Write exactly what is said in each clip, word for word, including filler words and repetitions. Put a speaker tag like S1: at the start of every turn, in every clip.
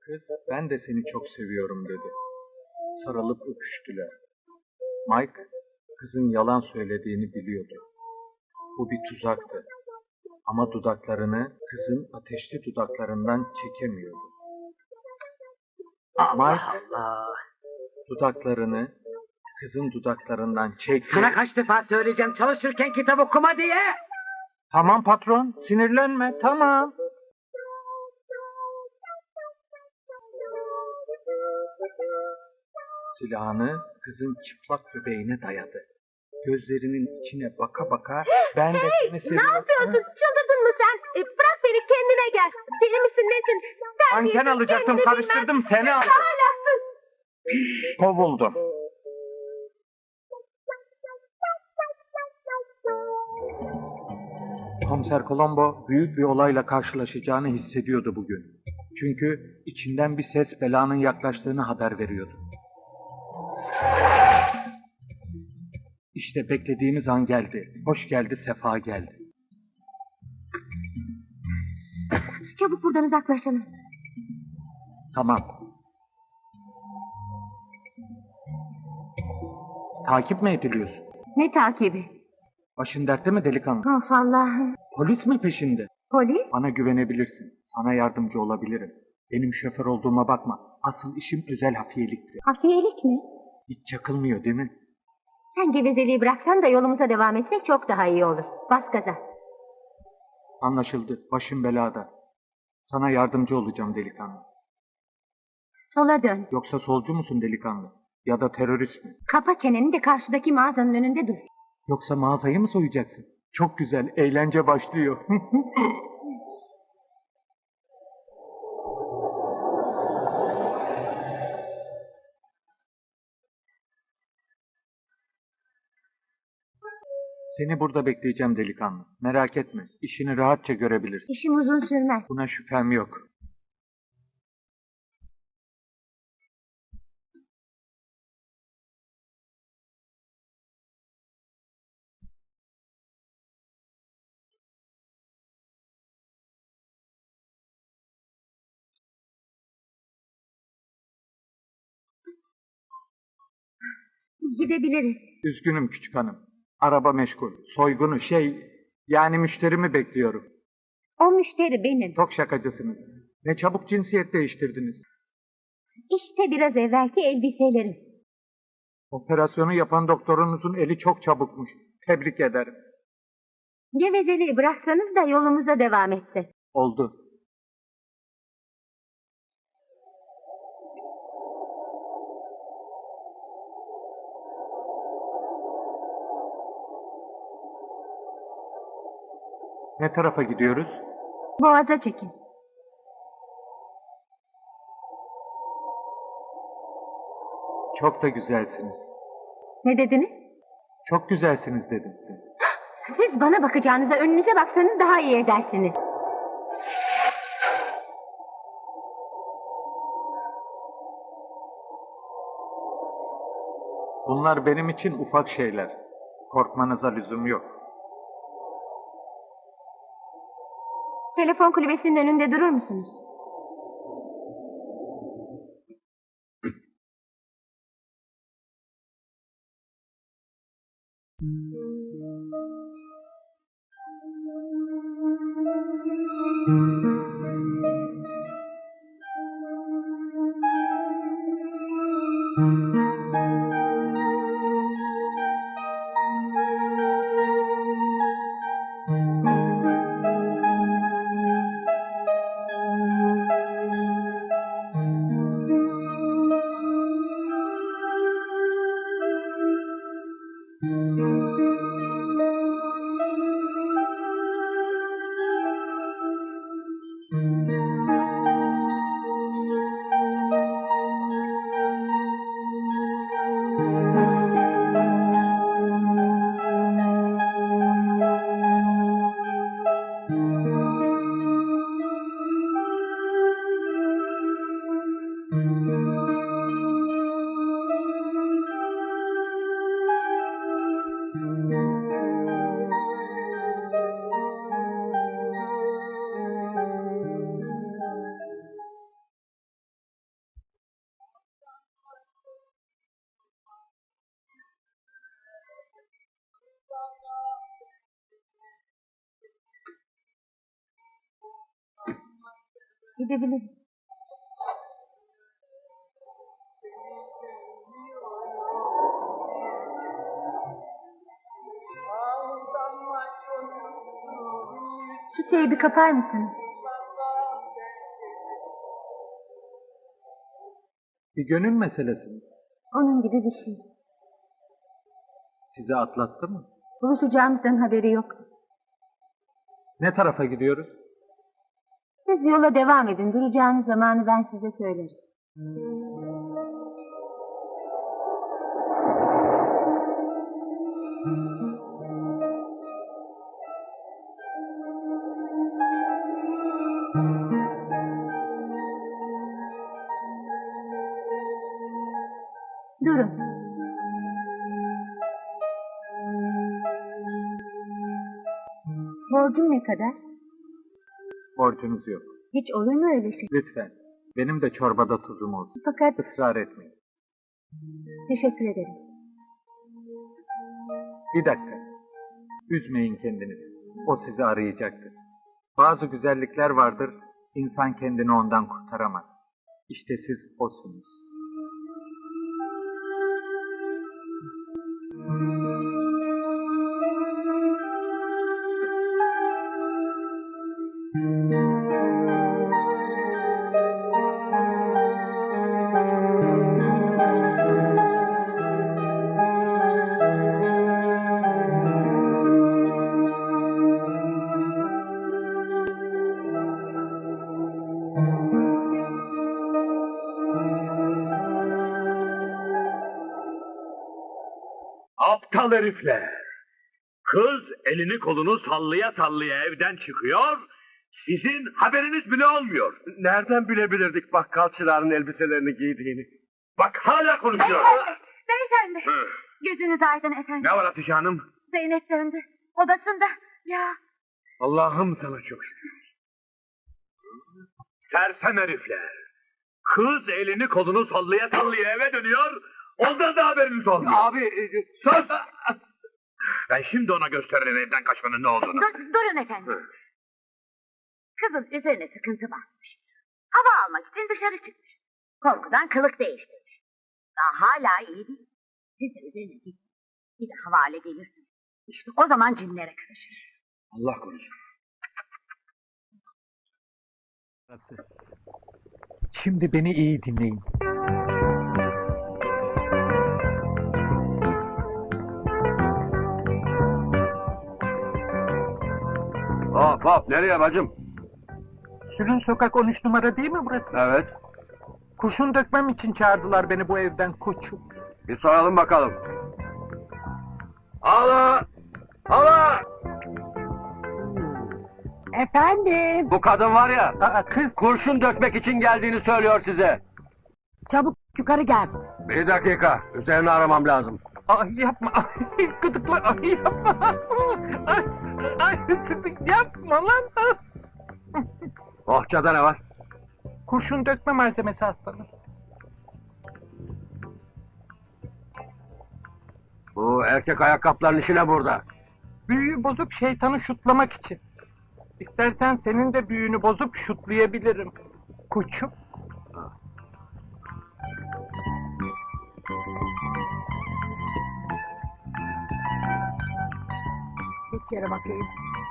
S1: Kız, ben de seni çok seviyorum dedi. Sarılıp öpüştüler. Mike, kızın yalan söylediğini biliyordu. Bu bir tuzaktı. Ama dudaklarını kızın ateşli dudaklarından çekemiyordu.
S2: Allah
S1: Mike,
S2: Allah.
S1: dudaklarını kızın dudaklarından çekti.
S2: Sana kaç defa söyleyeceğim çalışırken kitap okuma diye.
S1: Tamam patron, sinirlenme, tamam. Silahını kızın çıplak göbeğine dayadı. Gözlerinin içine baka baka ben de seni seviyorum.
S3: Ne yapıyorsun? Çıldırdın mı sen? E, bırak beni, kendine gel. Deli misin nesin?
S1: Anten alacaktım, karıştırdım, seni aldım.
S3: Ahlaksız.
S1: Kovuldum. Komiser Colombo büyük bir olayla karşılaşacağını hissediyordu bugün. Çünkü içinden bir ses belanın yaklaştığını haber veriyordu. İşte beklediğimiz an geldi. Hoş geldi, sefa geldi.
S3: Çabuk buradan uzaklaşalım.
S1: Tamam. Takip mi ediliyorsun?
S3: Ne takibi?
S1: Başın dertte mi delikanlı?
S3: Of Allah'ım.
S1: Polis mi peşinde?
S3: Polis?
S1: Bana güvenebilirsin. Sana yardımcı olabilirim. Benim şoför olduğuma bakma. Asıl işim özel hafiyeliktir.
S3: Hafiyelik mi?
S1: Hiç çakılmıyor değil mi?
S3: Sen gevezeliği bıraksan da yolumuza devam etsek çok daha iyi olur. Bas gaza.
S1: Anlaşıldı. Başım belada. Sana yardımcı olacağım delikanlı.
S3: Sola dön.
S1: Yoksa solcu musun delikanlı? Ya da terörist mi?
S3: Kapa çeneni de karşıdaki mağazanın önünde dur.
S1: Yoksa mağazayı mı soyacaksın? Çok güzel. Eğlence başlıyor. Seni burada bekleyeceğim delikanlı. Merak etme. İşini rahatça görebilirsin.
S3: İşim uzun sürmez.
S1: Buna şüphem yok.
S3: Gidebiliriz.
S1: Üzgünüm küçük hanım. Araba meşgul. Soygunu şey... Yani müşterimi bekliyorum.
S3: O müşteri benim.
S1: Çok şakacısınız. Ne çabuk cinsiyet değiştirdiniz.
S3: İşte biraz evvelki elbiselerim.
S1: Operasyonu yapan doktorunuzun eli çok çabukmuş. Tebrik ederim.
S3: Gevezeliği bıraksanız da yolumuza devam etsek.
S1: Oldu. Ne tarafa gidiyoruz?
S3: Boğaza çekin.
S1: Çok da güzelsiniz.
S3: Ne dediniz?
S1: Çok güzelsiniz dedim.
S3: Siz bana bakacağınıza önünüze baksanız daha iyi edersiniz.
S1: Bunlar benim için ufak şeyler. Korkmanıza lüzum yok.
S3: Telefon kulübesinin önünde durur musunuz? Gidebiliriz. Şu teybi kapar mısınız?
S1: Bir gönül meselesi mi?
S3: Onun gibi bir şey.
S1: Sizi atlattı mı?
S3: Buluşacağımızdan haberi yoktu.
S1: Ne tarafa gidiyoruz?
S3: Siz yola devam edin. Duracağınız zamanı ben size söylerim. Durun. Borcum ne kadar?
S1: Borcunuz yok.
S3: Hiç olur mu öyle şey?
S1: Lütfen. Benim de çorbada tuzum olsun.
S3: Fakat
S1: Israr etmeyin.
S3: teşekkür ederim.
S1: Bir dakika. Üzmeyin kendinizi. O sizi arayacaktır. Bazı güzellikler vardır, insan kendini ondan kurtaramaz. İşte siz osunuz.
S4: Aptal herifler! Kız elini kolunu sallaya sallaya evden çıkıyor, sizin haberiniz bile olmuyor.
S5: Nereden bilebilirdik bakkal çırağının elbiselerini giydiğini?
S4: Bak hala konuşuyor.
S3: Beyefendi.
S4: Hı.
S3: Gözünüz aydın efendim.
S4: Ne var Hatice Hanım?
S3: Zeynep döndü. Odasında. Ya.
S5: Allah'ım sana çok şükür.
S4: Sersem herifler! Kız elini kolunu sallaya sallaya eve dönüyor, ondan da haberiniz olmuyor.
S5: Abi e,
S4: Sus! Ben şimdi ona gösteririm evden kaçmanın ne olduğunu.
S3: Dur, durun efendim. Kızın üzerine sıkıntı varmış. Hava almak için dışarı çıkmış. Korkudan kılık değiştirmiş. Daha hala iyi değil. Siz de üzerine gidin. Bir de havale gelirsin. İşte o zaman cinlere karışır.
S4: Allah korusun.
S1: Şimdi beni iyi dinleyin.
S5: hop hop nereye bacım?
S1: Sülün Sokak on üç numara değil mi burası?
S5: Evet.
S1: Kurşun dökmem için çağırdılar beni bu evden koçum.
S5: Bir soralım bakalım. Hala! Hala!
S3: Efendim.
S5: Bu kadın var ya,
S1: Aa kız.
S5: kurşun dökmek için geldiğini söylüyor size.
S3: Çabuk yukarı gel.
S5: Bir dakika, üzerine aramam lazım.
S1: Ay yapma. Ay gıdıklar. Ay yapma. Ay, ay yapma lan.
S5: Bohçada ne var?
S1: Kurşun dökme malzemesi aslanım.
S5: Bu erkek ayakkabıların işi ne burada?
S1: Büyüyü bozup şeytanı şutlamak için. İstersen senin de büyüğünü bozup şutlayabilirim. Koçum.
S3: Bir kere bakayım.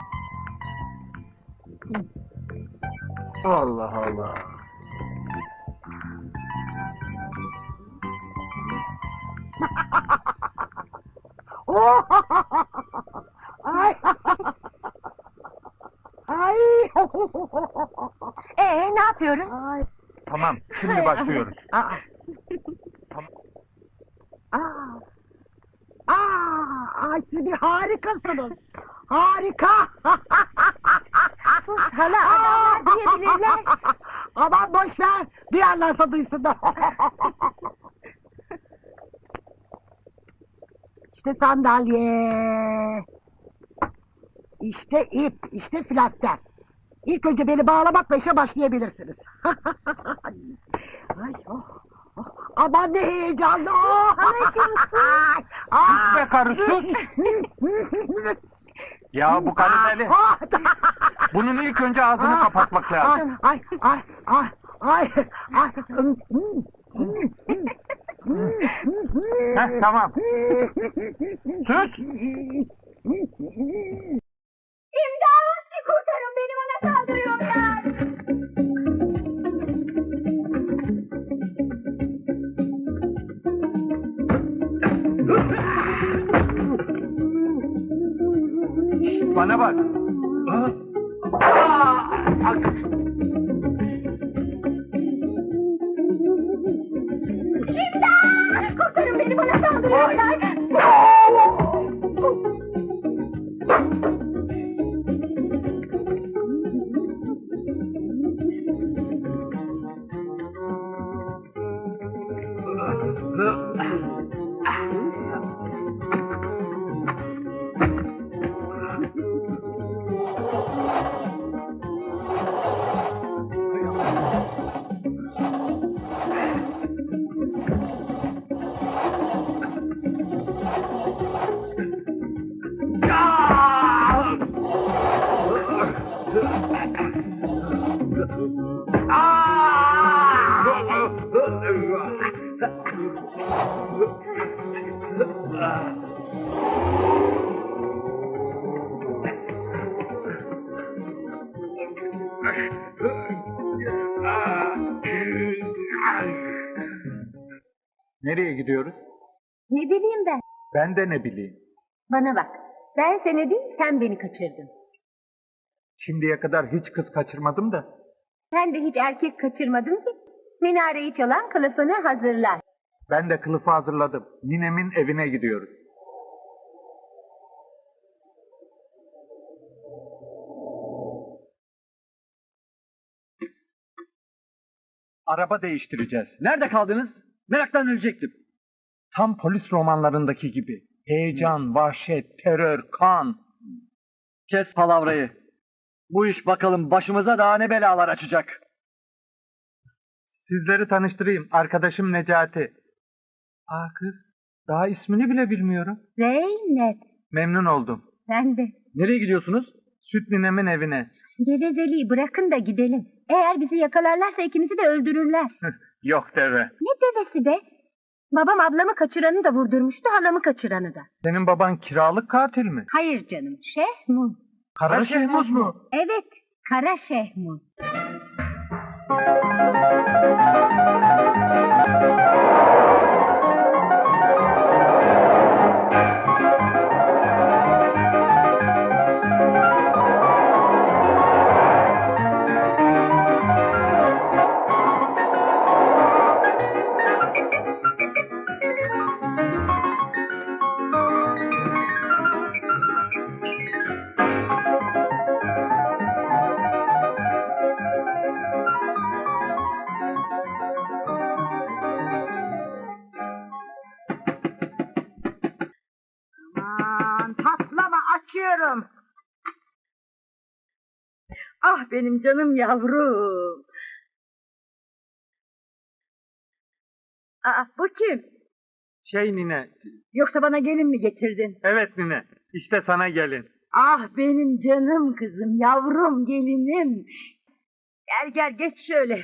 S5: Allah Allah.
S3: Ay. Ay. Ee ne yapıyoruz? Ay.
S1: Tamam, şimdi başlıyoruz.
S3: Aa.
S1: Tamam.
S3: Aa. Aa, ay siz bir harikasınız. Harika. Sus hala adamlar diyebilirler. Aman boş ver. Duyarlarsa duysunlar. İşte sandalye. İşte ip, işte flaster. İlk önce beni bağlamakla işe başlayabilirsiniz. Ay, oh, oh. Aman ne heyecanlı. Oh. Anacığım sus.
S1: Sus be karı, sus. Ya bu karı deli. Bunun ilk önce ağzını kapatmak lazım.
S3: Ay, ay, ay,
S2: Ah, ay, ay.
S1: Heh, tamam. Sus.
S3: İmdat! Kurtarın beni, bana saldırıyorlar.
S1: Bana bak.
S3: İmdat! Kurtarın beni, bana saldırıyorlar.
S1: Nereye gidiyoruz?
S3: Ne bileyim ben?
S1: Ben de ne bileyim.
S3: Bana bak. Ben seni değil, sen beni kaçırdın.
S1: Şimdiye kadar hiç kız kaçırmadım da.
S3: Sen de hiç erkek kaçırmadın ki. Minareyi çalan kılıfını hazırlar.
S1: Ben de kılıfı hazırladım. Ninemin evine gidiyoruz. Araba değiştireceğiz.
S6: Nerede kaldınız? Meraktan ölecektim.
S1: Tam polis romanlarındaki gibi. Heyecan, vahşet, terör, kan.
S6: Kes palavrayı. Bu iş bakalım başımıza daha ne belalar açacak.
S1: Sizleri tanıştırayım. Arkadaşım Necati. Aa kız, daha ismini bile bilmiyorum.
S3: Zeynep.
S1: Memnun oldum.
S3: Sen de.
S6: Nereye gidiyorsunuz?
S1: Süt ninemin evine.
S3: Gevezeliği bırakın da gidelim. Eğer bizi yakalarlarsa ikimizi de öldürürler.
S1: Yok deve.
S3: Ne devesi be? Babam ablamı kaçıranı da vurdurmuştu, halamı kaçıranı da.
S1: Senin baban kiralık katil mi?
S3: Hayır canım, Şehmuz.
S1: Kara Şehmuz mu?
S3: Evet, Kara Şehmuz.
S2: Aman patlama, açıyorum. Ah benim canım yavrum. Aa, bu kim?
S1: Şey nine.
S2: Yoksa bana gelin mi getirdin?
S1: Evet nine. İşte sana gelin.
S2: Ah benim canım kızım, yavrum, gelinim. Gel gel, geç şöyle.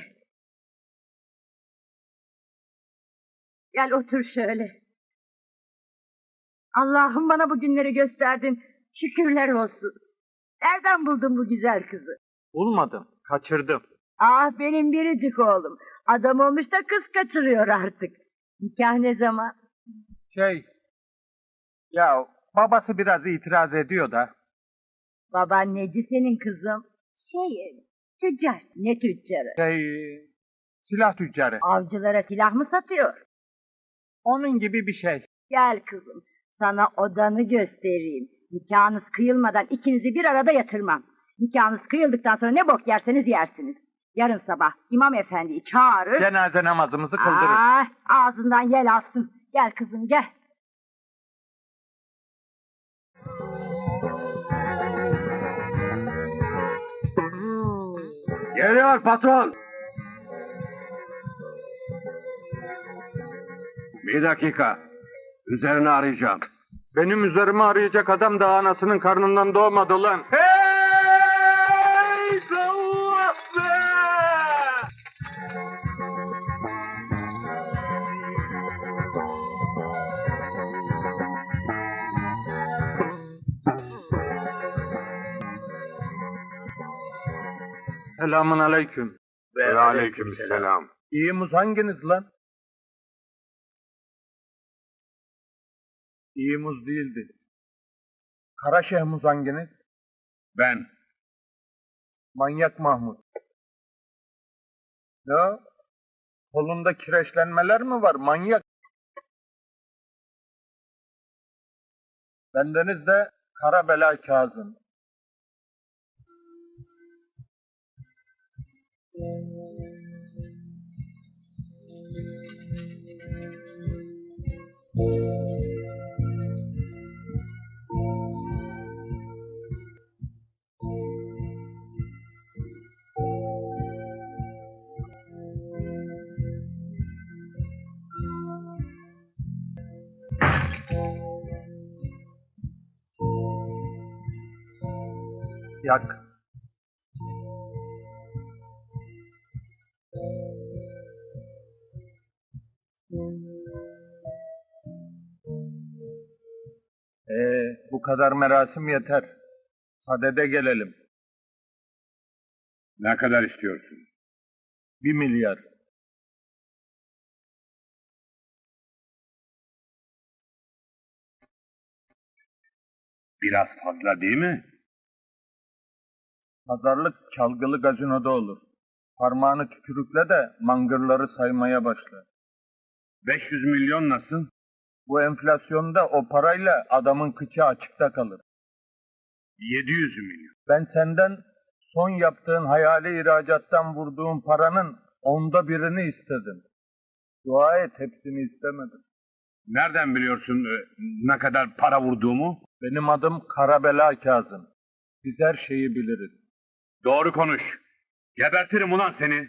S2: Gel otur şöyle. Allah'ım bana bu günleri gösterdin. Şükürler olsun. Nereden buldun bu güzel kızı?
S1: Bulmadım. Kaçırdım.
S2: Ah benim biricik oğlum. Adam olmuş da kız kaçırıyor artık. Nikah ne zaman?
S1: Şey. Ya babası biraz itiraz ediyor da.
S2: Baban neci senin kızım? Şey, tüccar. Ne tüccarı?
S1: Şey. Silah tüccarı.
S2: Avcılara silah mı satıyor?
S1: Onun gibi bir şey.
S2: Gel kızım, sana odanı göstereyim. Nikahınız kıyılmadan ikinizi bir arada yatırmam. Nikahınız kıyıldıktan sonra ne bok yerseniz yersiniz. Yarın sabah İmam Efendi'yi çağırır.
S1: Cenaze namazımızı kıldırırız.
S2: Aa, ağzından yel alsın. Gel kızım gel.
S5: Geliyor patron. Bir dakika. Üzerine arayacağım.
S1: Benim üzerime arayacak adam da anasının karnından doğmadı lan. Hey! Allah be! Selamun aleyküm.
S5: Ve aleykümselam.
S1: İyi muz hanginiz lan? İyi muz değildi. Karaşeh muz hanginiz?
S4: Ben.
S1: Manyak Mahmut. Ne o? Kolunda kireçlenmeler mi var manyak? Bendeniz de Karabela Kazım. Yak. Ee, bu kadar merasim yeter. Sadede gelelim.
S4: Ne kadar istiyorsun?
S1: Bir milyar.
S4: Biraz fazla değil mi?
S1: Pazarlık çalgılı gazinoda olur. Parmağını tükürükle de mangırları saymaya başla.
S4: beş yüz milyon nasıl?
S1: Bu enflasyonda o parayla adamın kıçı açıkta kalır.
S4: yedi yüz milyon.
S1: Ben senden son yaptığın hayali ihracattan vurduğun paranın onda birini istedim. Dua et, hepsini istemedim.
S4: Nereden biliyorsun e, ne kadar para vurduğumu?
S1: Benim adım Karabela Kazım. Biz her şeyi biliriz.
S4: Doğru konuş. Gebertirim ulan seni.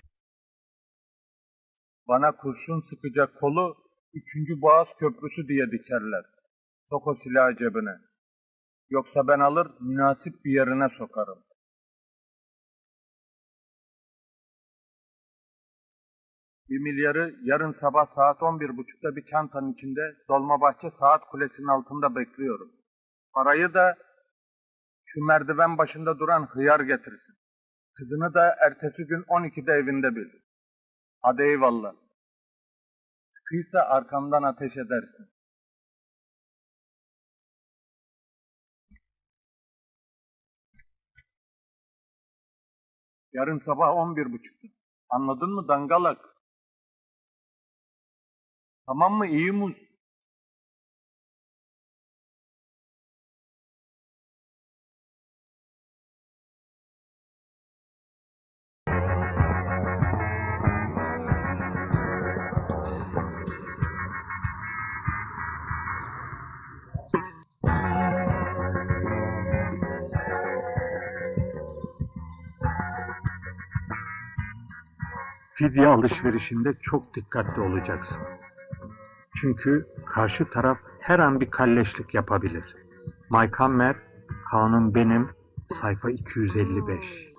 S1: Bana kurşun sıkacak kolu üçüncü Boğaz Köprüsü diye dikerler. Sok o silahı cebine. Yoksa ben alır münasip bir yerine sokarım. Bir milyarı yarın sabah saat on bir buçukta bir çantanın içinde Dolmabahçe Saat Kulesi'nin altında bekliyorum. Parayı da şu merdiven başında duran hıyar getirsin. Kızını da ertesi gün on ikide evinde bil. Hadi eyvallah. Sıkıysa arkamdan ateş edersin. Yarın sabah on bir buçukta. Anladın mı dangalak? Tamam mı iyi muz?
S7: Fidye alışverişinde çok dikkatli olacaksın. Çünkü karşı taraf her an bir kalleşlik yapabilir. Mike Hammer, Kanun Benim, sayfa iki yüz elli beş.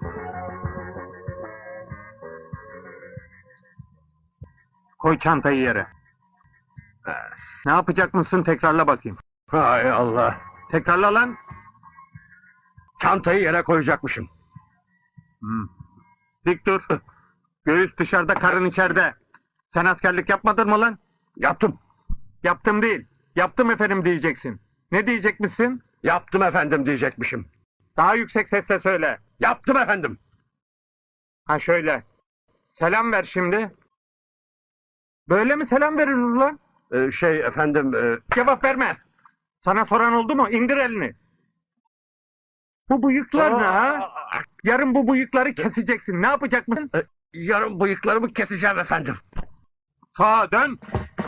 S7: Koy çantayı yere. Ne yapacak mısın tekrarla bakayım.
S5: Hay Allah.
S7: Tekrarla lan.
S5: Çantayı yere koyacakmışım.
S7: Hmm. Dik dur. Göğüs dışarıda, karın içeride. Sen askerlik yapmadın mı lan?
S5: Yaptım.
S7: Yaptım değil. Yaptım efendim diyeceksin. Ne diyecekmişsin?
S5: Yaptım efendim diyecekmişim.
S7: Daha yüksek sesle söyle.
S5: Yaptım efendim.
S7: Ha şöyle. Selam ver şimdi. Böyle mi selam verilir lan?
S5: Ee, şey efendim... E...
S7: Cevap verme. Sana soran oldu mu? İndir elini. Bu bıyıklar ne ha? Yarın bu bıyıkları keseceksin. Ne yapacak mısın?
S5: E, yarın bıyıklarımı keseceğim efendim.
S7: Sağa dön.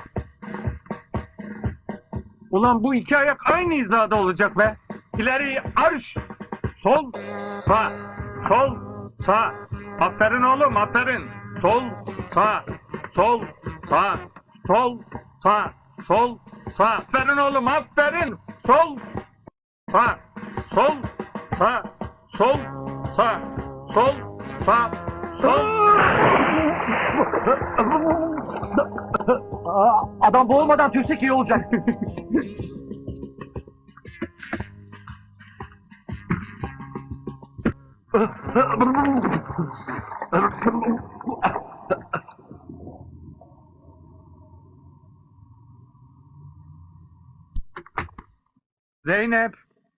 S7: Ulan bu iki ayak aynı hizada olacak be. İleri arş. Sol, sağ. Sol, sağ. Aferin oğlum, aferin. Sol, sağ. Sol, sağ. Sol, sağ. Sol, sağ. Aferin oğlum, aferin. Sol, sağ. Sol, sağ. Sol, sağ. Sol, sağ. Sol.
S6: Aa, adam boğulmadan tüysek iyi olacak.
S7: Zeynep.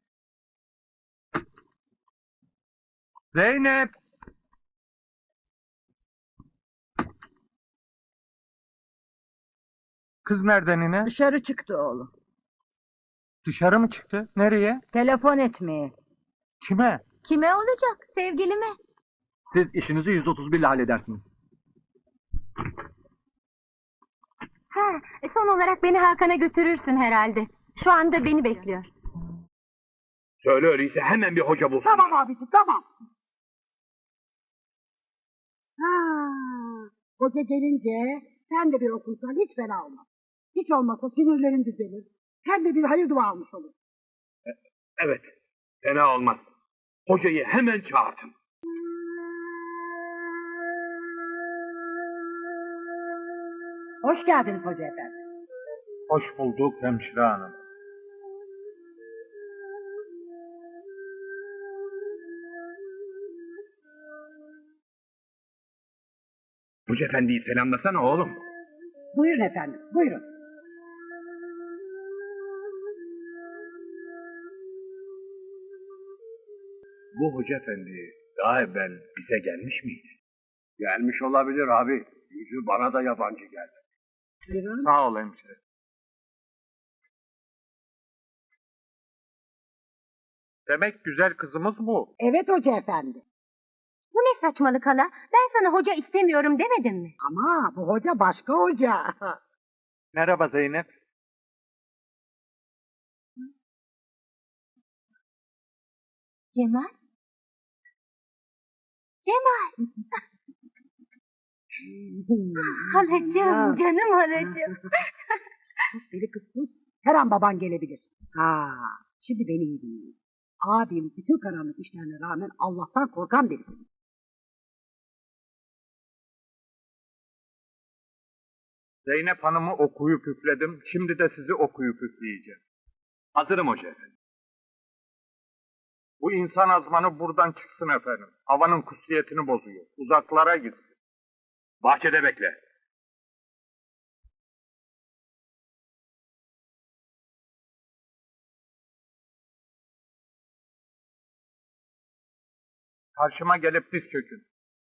S7: Zeynep. Kız nereden yine?
S2: Dışarı çıktı oğlum.
S7: Dışarı mı çıktı? Nereye?
S2: Telefon etmeye.
S7: Kime?
S3: Kime olacak? Sevgilime.
S6: Siz işinizi yüz otuz bir ile halledersiniz.
S3: Ha, son olarak beni Hakan'a götürürsün herhalde. Şu anda beni bekliyor.
S4: Söyle öyleyse hemen bir hoca bulsun.
S2: Tamam abisi tamam. Ha, hoca gelince sen de bir okursan hiç fena olmaz. Hiç olmazsa sinirlerin düzelir. Hem de bir hayır dua almış olur.
S4: Evet, fena olmaz. Hocayı hemen çağırtın.
S2: Hoş geldiniz hoca efendi.
S7: Hoş bulduk hemşire hanım.
S4: Hoca efendiyi selamlasana oğlum.
S2: Buyurun efendim buyurun.
S4: Bu hoca efendi daha evvel bize gelmiş miydi?
S5: Gelmiş olabilir abi. Yüzü bana da yabancı geldi.
S2: Buyurun.
S7: Sağ ol hemşire. Demek güzel kızımız bu.
S2: Evet hoca efendi.
S3: Bu ne saçmalık hala? Ben sana hoca istemiyorum demedim mi?
S2: Ama bu hoca başka hoca.
S7: Merhaba Zeynep.
S3: Cemal? Cemal! Halacığım, canım halacığım.
S2: Deli kızsın. Her an baban gelebilir. Ha, şimdi beni iyi dinleyin. Abim bütün karanlık işlerine rağmen Allah'tan korkan birisi.
S7: Zeynep Hanım'ı okuyup üfledim. Şimdi de sizi okuyup üfleyeceğim.
S4: Hazırım hoca efendi.
S7: Bu insan azmanı buradan çıksın efendim. Havanın kutsiyetini bozuyor. Uzaklara gitsin.
S4: Bahçede bekle.
S7: Karşıma gelip diz çökün.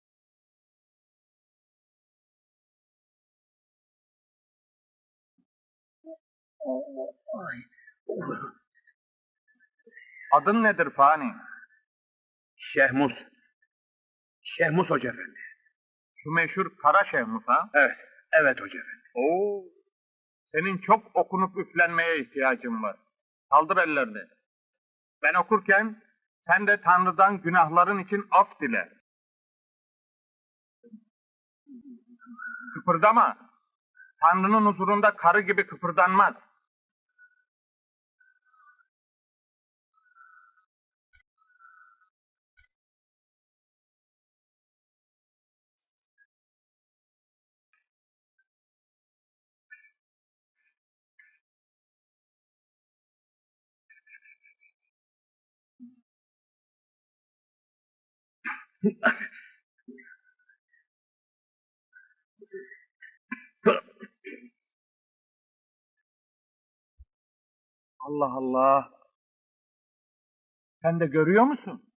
S7: Adın nedir Fani?
S4: Şehmus. Şehmus hoca efendi.
S7: Şu meşhur Kara Şehmus ha?
S4: Evet, evet hoca efendi.
S7: Oo. Senin çok okunup üflenmeye ihtiyacın var. Kaldır ellerini. Ben okurken sen de Tanrı'dan günahların için af dile. Kıpırdama. Tanrı'nın huzurunda karı gibi kıpırdanmaz. Allah Allah. Sen de görüyor musun?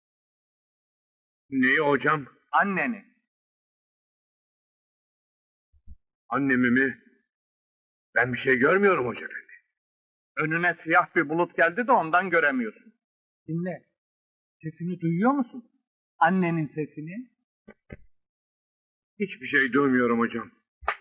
S4: Neyi hocam?
S7: Anneni.
S4: Annemi mi? Ben bir şey görmüyorum hoca efendi.
S7: Önüne siyah bir bulut geldi de ondan göremiyorsun. Dinle. Sesini duyuyor musun? Annenin sesini.
S4: Hiçbir şey duymuyorum hocam.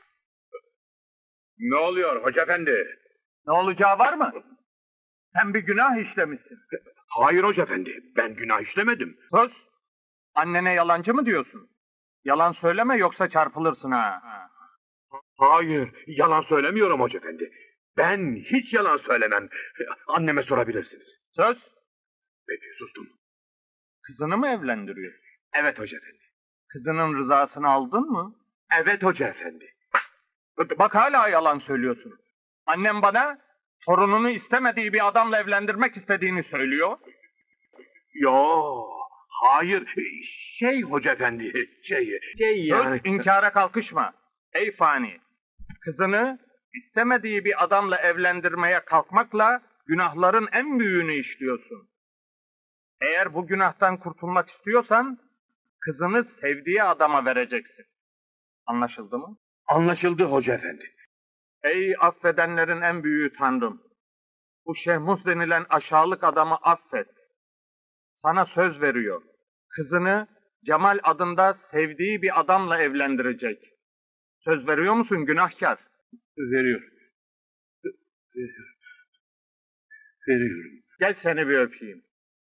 S4: Ne oluyor hoca efendi?
S7: Ne olacağı var mı? Sen bir günah işlemişsin.
S4: Hayır hoca efendi, ben günah işlemedim.
S7: Sus. Annene yalancı mı diyorsun? Yalan söyleme yoksa çarpılırsın ha.
S4: Hayır, yalan söylemiyorum hoca efendi. Ben hiç yalan söylemem. Anneme sorabilirsiniz.
S7: Söz.
S4: Peki, sustum.
S7: Kızını mı evlendiriyor?
S4: Evet hoca efendi.
S7: Kızının rızasını aldın mı?
S4: Evet hoca efendi.
S7: Bak hala yalan söylüyorsun. Annem bana torununu istemediği bir adamla evlendirmek istediğini söylüyor.
S4: Yo, hayır. Şey hoca efendi, şey, şey yani.
S7: Söz inkara kalkışma. Ey fani. Kızını istemediği bir adamla evlendirmeye kalkmakla günahların en büyüğünü işliyorsun. Eğer bu günahtan kurtulmak istiyorsan kızını sevdiği adama vereceksin. Anlaşıldı mı?
S4: Anlaşıldı hoca efendi.
S7: Ey affedenlerin en büyüğü Tanrım. Bu Şehmus denilen aşağılık adamı affet. Sana söz veriyor. Kızını Cemal adında sevdiği bir adamla evlendirecek. Söz veriyor musun günahkar?
S4: Veriyor. Veriyor. Veriyorum.
S7: Gel seni bir öpeyim.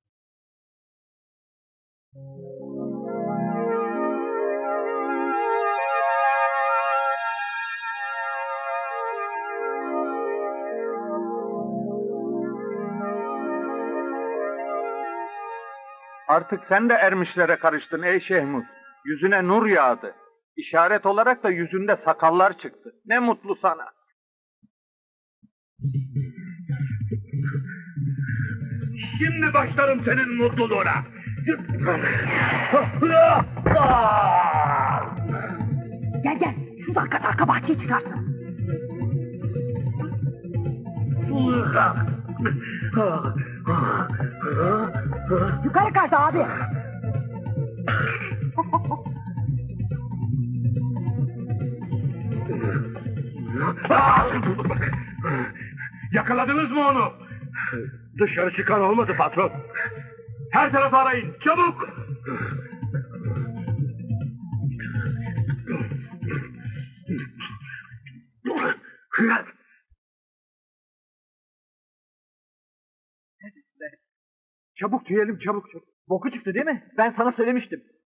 S7: Artık sen de ermişlere karıştın ey Şehmuz. Yüzüne nur yağdı. İşaret olarak da yüzünde sakallar çıktı. Ne mutlu sana.
S4: Şimdi başlarım senin mutluluğuna.
S2: Gel gel. Şu dakika arka bahçeye çıkarsın. Yukarı kaç abi.
S4: Yakaladınız mı onu? Dışarı çıkan olmadı patron. Her tarafı arayın, çabuk!
S6: Çabuk tüyelim çabuk çabuk. Boku çıktı değil mi? Ben sana söylemiştim.